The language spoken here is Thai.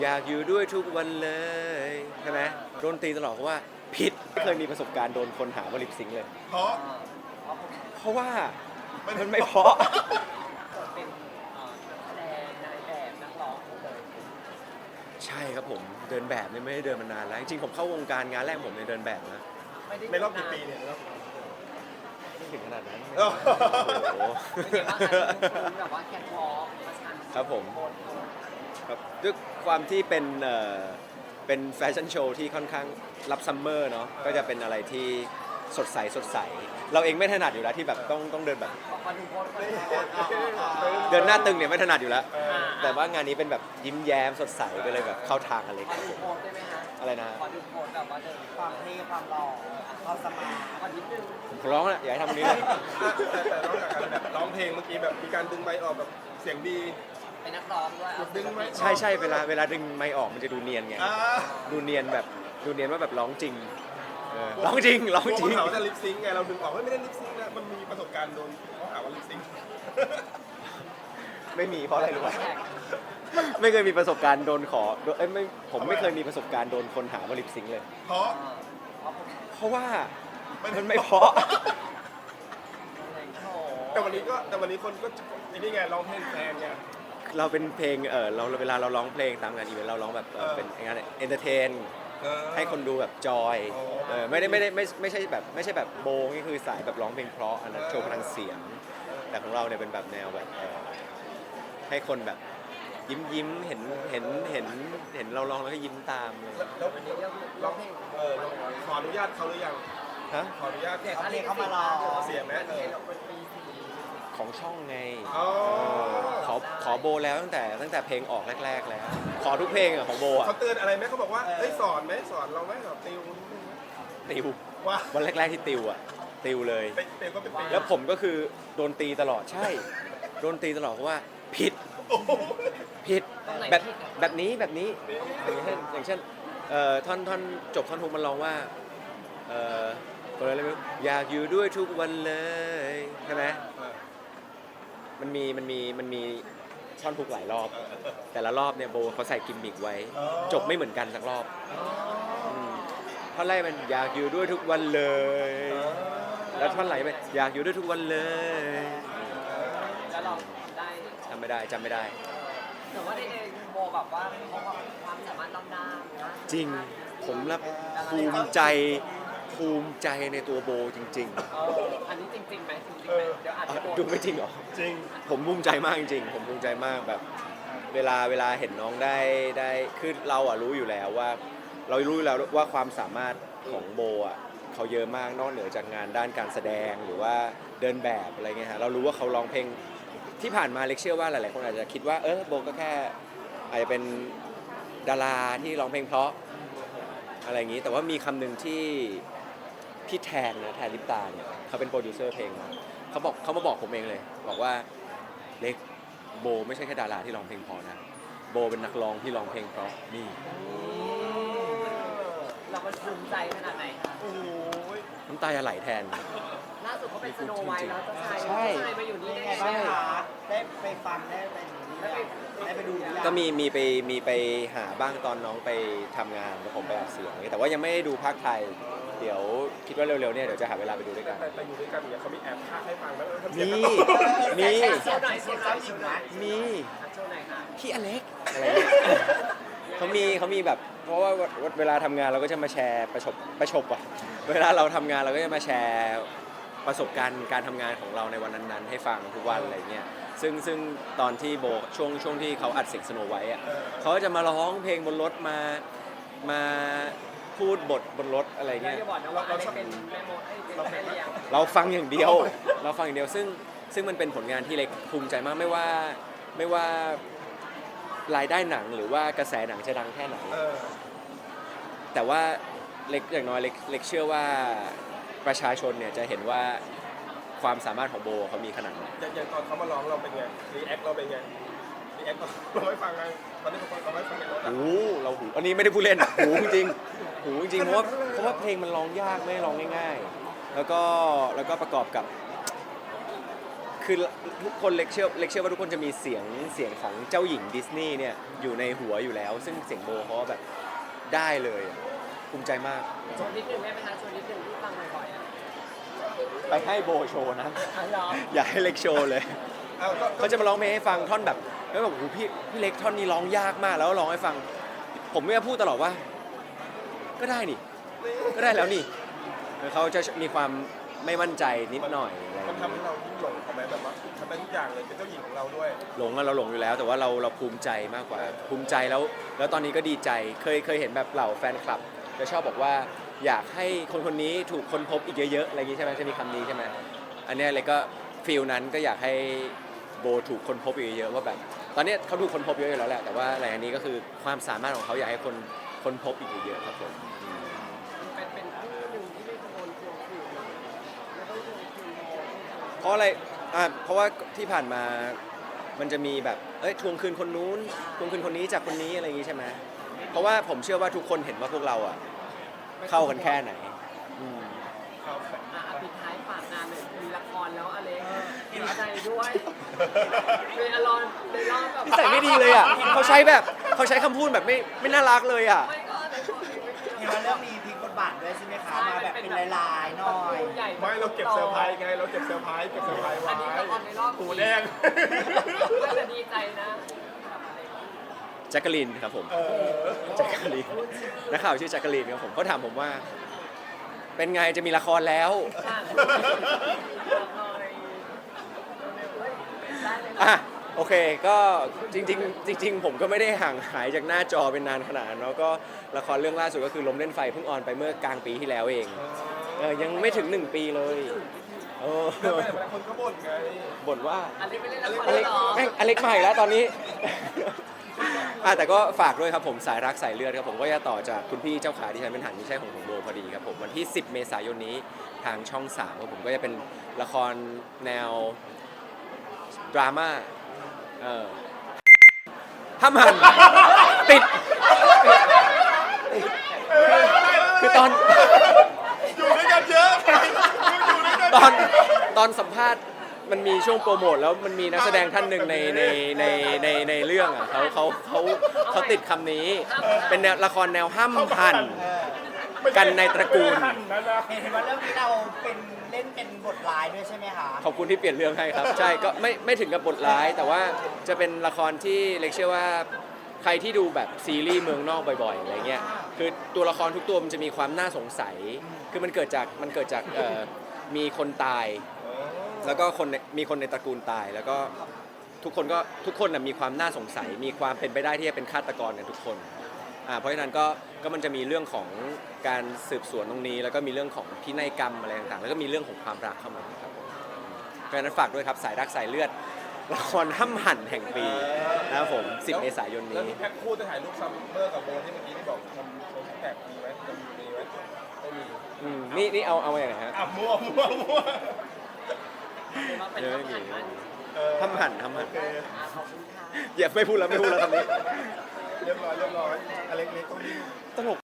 อยากอยู่ด้วยทุกวันเลยใช่ไหมโดนตีตลอดเพราะว่าผิดไม่เคยมีประสบการณ์โดนคนหาว่าลิปซิงค์เลยเพราะว่ามันไม่เพราะเป็นแสดงนายแบบนักร้องเลยใช่ครับผมเดินแบบเนี่ยไม่ได้เดินมานานแล้วจริงๆผมเข้าวงการงานแรกผมเนี่ยเดินแบบนะในรอบกี่ปีเนี่ยไม่ถึงขนาดนั้นโอ้โอ้โหเป็นยังไงบ้างคะคุณแบบว่าแคทวอล์กมาชันครับผมครับด้วยความที่เป็นแฟชั่นโชว์ที่ค่อนข้างรับซัมเมอร์เนาะก็จะเป็นอะไรที่สดใสเราเองไม่ถนัดอยู่แล้วที่แบบต้องเดินแบบเดินหน้าตึงเนี่ยไม่ถนัดอยู่แล้วแต่ว่างานนี้เป็นแบบยิ้มแย้มสดใสก็เลยแบบเข้าทางกันเลยขอดูโพสได้ไหมฮะอะไรนะขอดูโพสแบบว่าเดินความเท่ความหล่อความสมาร์ทขอนิดนึงผมร้องนะอยากให้ทำตรงนี้เลยแต่นอกจากการแบบร้องเพลงเมื่อกี้แบบมีการดึงไมค์ออกแบบเสียงดีเป็นนักร้องด้วยดึงไมค์ใช่เวลาดึงไมค์ออกมันจะดูเนียนไงดูเนียนว่าแบบร้องจริงร้องจริงเขาถามว่าจะลิปซิงค์ไงเราดึงออกไม่ได้ลิปซิงค์นะมันมีประสบการณ์โดนเขาหาว่าลิปซิงค์ไม่มีเพราะอะไรรู้ไหมไม่เคยมีประสบการณ์โดนขอผมไม่เคยมีประสบการณ์โดนคนหาว่าลิปซิงค์เลยเพราะว่ามันไม่เพราะแต่วันนี้คนก็นี่ไงร้องเพลงแฟนไงเราเป็นเพลงเราเวลาเราร้องเพลงตามงานอีเวนต์เราร้องแบบเป็นงานเอนเตอร์เทนให้คนดูแบบจอยไม่ใช่แบบโบงนี่คือสายแบบร้องเพลงเพราะอันนั้นโชว์พลังเสียงแต่ของเราเนี่ยเป็นแบบแนวแบบให้คนแบบยิ้มเห็นเราร้องแล้วก็ยิ้มตามเลยแล้ววันนี้ร้องเพลงขออนุญาตเขาหรือยังฮะขออนุญาตเด็กอะไรเขามารอเสียไหมเป็นปีสี่ของช่องไงอ๋อขอโบแล้วตั้งแต่เพลงออกแรกๆแล้วขอทุกเพลงอะของโบอะเขาเตือนอะไรไหมเขาบอกว่าเฮ้ยสอนไหมสอนเราไหมสอนติวติวว่าวันแรกๆที่ติวอะติวเลยติวก็เป็นติวแล้วผมก็คือโดนตีตลอดใช่โดนตีตลอดเพราะว่าผิดโอ้โหผิดแบบนี้อย่างเช่นท่อนจบท่อนฮุกมันร้องว่าคนอะไรไม่รู้อยากอยู่ด้วยทุกวันเลยใช่ไหมมันมีท่อนฮุกหลายรอบ แต่ละรอบเนี่ยโบเขาใส่กิมมิกไว้ จบไม่เหมือนกันสักรอบท่อนแรกมันอยากอยู่ด้วยทุกวันเลย แล้วท่อนไหลไปอยากอยู่ด้วยทุกวันเลยแล้วเราได้จำไม่ได้แต่ว่าในโบแบบว่าเขาความสามารถล้ำหน้านะจริงผมรับภูมิใจในตัวโบจริงอันนี้จริงไหมจริงไหมเดี๋ยวอาจจะโดนๆดูไม่จริงเหรอจริงผมภูมิใจมากจริงๆผมภูมิใจมากแบบเวลาเห็นน้องได้คือเราอะรู้อยู่แล้วว่าความสามารถของโบอะเขาเยอะมากนอกเหนือจากงานด้านการแสดงหรือว่าเดินแบบอะไรเงี้ยฮะเรารู้ว่าเขาร้องเพลงที่ผ่านมาเล็กเชื่อว่าหลายๆคนอาจจะคิดว่าโบก็แค่อาจจะเป็นดาราที่ร้องเพลงเพราะอะไรอย่างนี้แต่ว่ามีคำหนึ่งที่พี่แทนลิปตาเนี่ยเขาเป็นโปรดิวเซอร์เพลงนะเขามาบอกผมเองเลยบอกว่าเล็กโบไม่ใช่แค่ดาราที่ร้องเพลงเพราะนะโบเป็นนักร้องที่ร้องเพลงเพราะนี่เรามันภูมิใจขนาดไหนคะโอ้ยน้ำตาจะไหลแทนล่าสุดเขาเป็นสโนไวท์แล้วเจ้าชายใช่มาอยู่นี่ได้ไงใช่บ้างคะได้ไปฟังได้ไปดูหรือยังก็มีไปหาบ้างตอนน้องไปทำงานแล้วผมไปอัดเสียงแต่ว่ายังไม่ได้ดูภาคไทยเดี๋ยวคิดว่าเร็วๆเนี่ยเดี๋ยวจะหาเวลาไปดูด้วยกันแต่อยู่ด้วยกันเนี่ยเขามีแอบพากให้ฟังแล้วทำเสีมียงกันมีโชว์หน่อยโชว์หน่อยโชว์หน่อยมีโชว์หน่อยค่ะพี่อเล็กอะไรเงี้ยเขามีแบบเพราะว่าเวลาทำงานเราก็จะมาแชร์ประชบอ่ะเวลาเราทำงานเราก็จะมาแชร์ประสบการณ์การทำงานของเราในวันนั้นๆให้ฟังทุกวันอะไรเงี้ยซึ่งตอนที่โบช่วงที่เขาอัดเสียงสโนไวท์อ่ะเขาก็จะมาร้องเพลงบนรถมาพูดบทบนรถอะไรเราเงี้ยจะบอกนะว่าอะไรเป็นแม่โมดเป็นแม่เลี้ยงเราฟังอย่างเดียวซึ่งมันเป็นผลงานที่เล็กภูมิใจมากไม่ว่ารายได้หนังหรือว่ากระแสหนังจะดังแค่ไหนแต่ว่าเล็กอย่างน้อยเล็กเชื่อว่าประชาชนเนี่ยจะเห็นว่าความสามารถของโบเขามีขนาดไหนอย่างตอนเขามาร้องเราเป็นไงรีแอคเราเป็นไงรีแอคเราไม่ฟังไงตอนนี้เราไม่ฟังในรถอ่ะเราหูอันนี้ไม่ได้พูดเล่นหูจริงเพราะว่าเพลงมันร้องยากไม่ได้ร้องง่ายๆแล้วก็ประกอบกับคืคือทุกคนเล็กเชื่อว่าทุกคนจะมีเสียงของเจ้าหญิงดิสนีย์เนี่ยอยู่ในหัวอยู่แล้ว ซึ่งเสียงโบเขาแบบได้เลยภูมิใจมากชวนนิดนึงได้ไหมคะชวนนิดนึงที่ฟังบ่อยๆอ่ะไปให้โบโชว์นะอ๋อเหรออยากให้เล็กโชว์เลยเอาก็เขาจะมาร้องเพลงให้ฟังท่อนแบบแล้วแบบโอ้โหพี่เล็กท่อนนี้ร้องยากมากแล้วร้องให้ฟัง ผมไม่พูดตลอดว่า ก็ได้นี่ ก็ได้แล้วนี่เขาจะมีความไม่มั่นใจนิดหน่อยอะไรอย่างมันเงี้ยทำให้เรายิ่งหลงเขาไหมแบบว่าทำได้ทุกอย่างเลยเป็นเจ้าหญิงของเราด้วยหลงอะเราหลงอยู่แล้ว แต่ว่าเราภูมิใจมากกว่าภูมิใจแล้วตอนนี้ก็ดีใจเคยเห็นแบบเหล่าแฟนคลับจะชอบบอกว่าอยากให้คนนี้ถูกค้นพบอีกเยอะๆอะไรอย่างงี้ใช่ไหมจะมีคำนี้ใช่ไหมอันเนี้ยเลยก็ฟีลนั้นก็อยากให้โบถูกค้นพบอีกเยอะๆว่าแบบตอนนี้เขาถูกค้นพบเยอะอยู่แล้วแหละแต่ว่าอะไรอันนี้ก็คือความสามารถของเขาอยากให้คนค้นพบอีกเยอะๆครับผมเป็นคู่หนึ่งที่ไม่โดนทวงคืนนะไม่ต้องทวงคืนโบเพราะอะไรเพราะว่าที่ผ่านมามันจะมีแบบทวงคืนคนนู้นทวงคืนคนนี้จากคนนี้อะไรอย่างงี้ใช่ไหมเพราะว่าผมเชื่อว่าทุกคนเห็นว่าพวกเราอ่ะเข้ากันแค่ไหนอืมครับปิดท้ายฝากงานหน่อยมีละครแล้วอเล็กดีใจด้วยเป็นอลอนในรอบแบบนิสัยไม่ดีเลยอ่ะเขาใช้คำพูดแบบไม่น่ารักเลยอ่ะไม่ก็ในคนนี้ไม่เห็นว่าเรื่องมีพลิกบทบาทด้วยใช่ไหมคะมาแบบเป็นลายๆหน่อยใหญ่ไม่เราเก็บเซอร์ไพรส์ไงเราเก็บเซอร์ไพรส์ไว้อันนี้ละครในรอบหูแดงก็จะดีใจนะแจ็คกะลินครับผมแจ็คกะลินนักข่าวชื่อแจ็คกะลินครับผมเขาถามผมว่า เป็นไงจะมีละครแล้ว อ่ะโอเคก็จริงผมก็ไม่ได้ห่างหายจากหน้าจอเป็นนานขนาดนั้นเนาะก็ละครเรื่องล่าสุดก็คือลมเล่นไฟเพิ่งออนไปเมื่อกลางปีที่แล้วเองยังไม่ถึง1 ปีเลยเออแล้วแต่ละคนก็บ่นไงบ่นว่าอเล็กไม่เล่นละครอเล็กหรอแม่งอเล็กใหม่แล้วตอนนี้ แต่ก็ฝากด้วยครับผมสายรักสายเลือดครับผมก็จะต่อจากคุณพี่เจ้าขาที่ฉันเป็นหันไม่ใช่ของผมโบพอดีครับผมวันที่ 10 เมษายนนี้ทางช่อง 3ครับผมก็จะเป็นละครแนวดราม่าห้ามหันติดคือตอนอยู่ด้วยกันเยอะอยู่ด้วยกันตอนสัมภาษณ์มันมีช่วงโปรโมทแล้วมันมีนักแสดงท่านหนึ่งในเรื่องอ่ะเขาติดคำนี้เป็นแนวละครแนวห้ามหันกันในตระกูลเห็นว่าเรื่องนี้เราเล่นเป็นบทร้ายด้วยใช่ไหมคะขอบคุณที่เปลี่ยนเรื่องให้ครับ ใช่ก็ไม่ถึงกับบทร้าย แต่ว่าจะเป็นละครที่เล็กเชื่อว่าใครที่ดูแบบซีรีส์เมืองนอกบ่อยๆอะไรเงี้ยคือตัวละครทุกตัวมันจะมีความน่าสงสัยคือมันเกิดจากมีคนตาย แล้วก็มีคนในตระกูลตายแล้วก็ทุกคนน่ะมีความน่าสงสัย มีความเป็นไปได้ที่จะเป็นฆาตกรกันทุกคนเพราะฉะนั้นก็มันจะมีเรื่องของการสืบสวนตรงนี้ แล้วก็มีเรื่องของพินัยกรรมอะไรต่างๆแล้วก็มีเรื่องของความรักเข้ามาครับเพราะฉะนั้นฝากด้วยครับสายรักสายเลือดละครห้ำหั่นแห่งปีนะครับผม 10 เมษายนแล้วนี้ที่แพ็คคู่จะถ่ายรูปซัมเมอร์กับโบที่เมื่อกี้ที่บอกทำโชว์แท็กมีไหมจะมีไหมไม่มีนี่เอามาอย่างไรฮะมั่วเป็นเยอะทไม่หารมีมันห้ำหั่นขอบคุณค่ะอย่าไม่พูดแล้วคำนี้เรียบร้อยอเล็กๆต้องดิ้นตลก